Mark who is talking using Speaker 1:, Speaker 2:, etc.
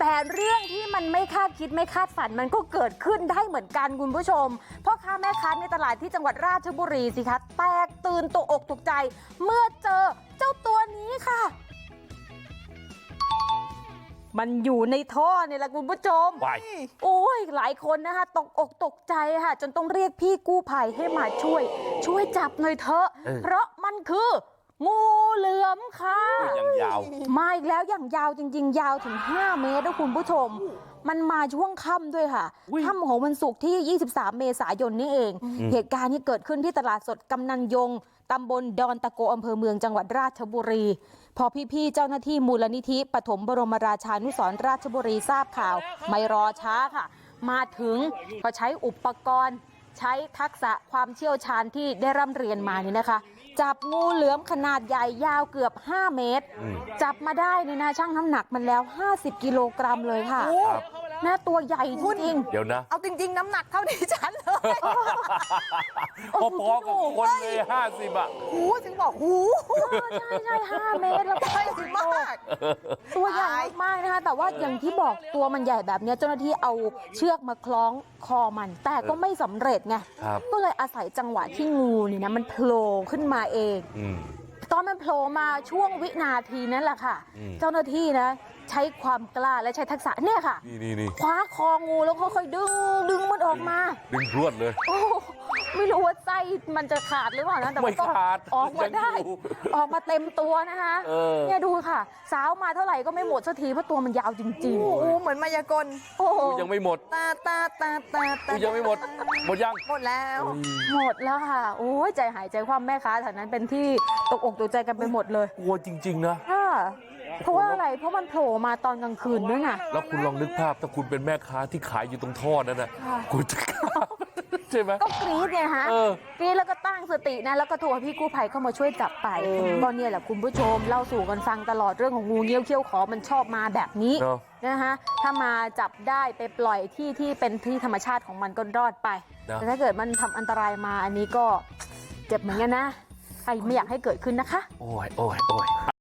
Speaker 1: แต่เรื่องที่มันไม่คาดคิดไม่คาดฝันมันก็เกิดขึ้นได้เหมือนกันคุณผู้ชมพ่อค้าแม่ค้าในตลาดที่จังหวัดราชบุรีสิคะแตกตื่นตกอกตกใจเมื่อเจอเจ้าตัวนี้ค่ะมันอยู่ในท่อเนี่ยแหละคุณผู้ชมโอ้ยหลายคนนะคะตกอกตกใจค่ะจนต้องเรียกพี่กู้ภัยให้มาช่วยจับหน่อยเถอะเพราะมันคืองูเหลือมค่ะ
Speaker 2: อย่างยาว
Speaker 1: มาอีกแล้วอย่างยาวจริงๆยาวถึง5 เมตรนะคุณผู้ชมมันมาช่วงค่ำด้วยค่ะค่ำของวันศุกร์ที่23 เมษายนนี่เองเหตุการณ์นี้เกิดขึ้นที่ตลาดสดกำนันยงตำบลดอนตะโกอำเภอเมืองจังหวัดราชบุรีพอพี่ๆเจ้าหน้าที่มูลนิธิปฐมบรมราชานุสรณ์ราชบุรีทราบข่าวไม่รอช้าค่ะมาถึงก็ใช้อุปกรณ์ใช้ทักษะความเชี่ยวชาญที่ได้ร่ำเรียนมานี่นะคะจับงูเหลือมขนาดใหญ่ยาวเกือบ5 เมตรจับมาได้นี่นะช่างน้ำหนักมันแล้ว50 กิโลกรัมเลยค่ะหน้าตัวใหญ่จริง
Speaker 2: เดี๋ยวนะ
Speaker 3: เอาจริงๆน้ำหนักเท่าดิฉันเลย
Speaker 2: พอๆกับคนเลย50อ่ะ
Speaker 3: หูถึงบอกหู
Speaker 1: ใช่5 เมตรแล้วก็ใหญ่มากตัวใหญ่มากนะคะแต่ว่าอย่างที่บอกตัวมันใหญ่แบบนี้เจ้าหน้าที่เอาเชือกมาคล้องคอมันแต่ก็ไม่สำเร็จไงก็เลยอาศัยจังหวะที่งูนี่นะมันโผล่ขึ้นมาเองตอนมันโผล่มาช่วงวินาทีนั้นแหละค่ะเจ้าหน้าที่นะใช้ความกล้าและใช้ทักษะเนี่ยค่ะ
Speaker 2: นี่
Speaker 1: คว้าคองูแล้วค่อยๆดึงมันออกมา
Speaker 2: ดึงพรวดเลย
Speaker 1: โอ้ไม่รู้ว่าไส้มันจะขาดหรือเปล่านะแต่ว่าก็ออกมาได้ออกมาเต็มตัวนะคะเนี่ยดูค่ะสาวมาเท่าไหร่ก็ไม่หมดสักทีเพราะตัวมันยาวจริงๆ
Speaker 3: โอ้เหมือนมายากล
Speaker 1: โอ้
Speaker 2: ยังไม่หมด
Speaker 3: ตา
Speaker 2: ยังไม่หมดยัง
Speaker 3: หมดแล้ว
Speaker 1: ค่ะโอ้ยใจหายใจความแม่ค้าแถวนั้นเป็นที่ตกอกตกใจกันไปหมดเลย
Speaker 2: กลัวจริงๆนะ
Speaker 1: เพราะว่าอะไรเพราะมันโผล่มาตอนกลางคืนด้วยไง
Speaker 2: แล้วคุณลองนึกภาพถ้าคุณเป็นแม่ค้าที่ขายอยู่ตรงท่อนั้นนะคุณจะใช่ไหม
Speaker 1: ก็กรี๊ดไงฮะกรี๊ดแล้วก็ตั้งสตินะแล้วก็โทรให้พี่กู้ภัยเข้ามาช่วยจับไปก็เนี่ยแหละคุณผู้ชมเล่าสู่กันฟังตลอดเรื่องของงูเงี้ยวเขี้ยวขอมันชอบมาแบบนี้นะคะถ้ามาจับได้ไปปล่อยที่เป็นที่ธรรมชาติของมันก็รอดไปแต่ถ้าเกิดมันทำอันตรายมาอันนี้ก็เจ็บเหมือนกันนะใครไม่อยากให้เกิดขึ้นนะคะ
Speaker 2: โอ้ย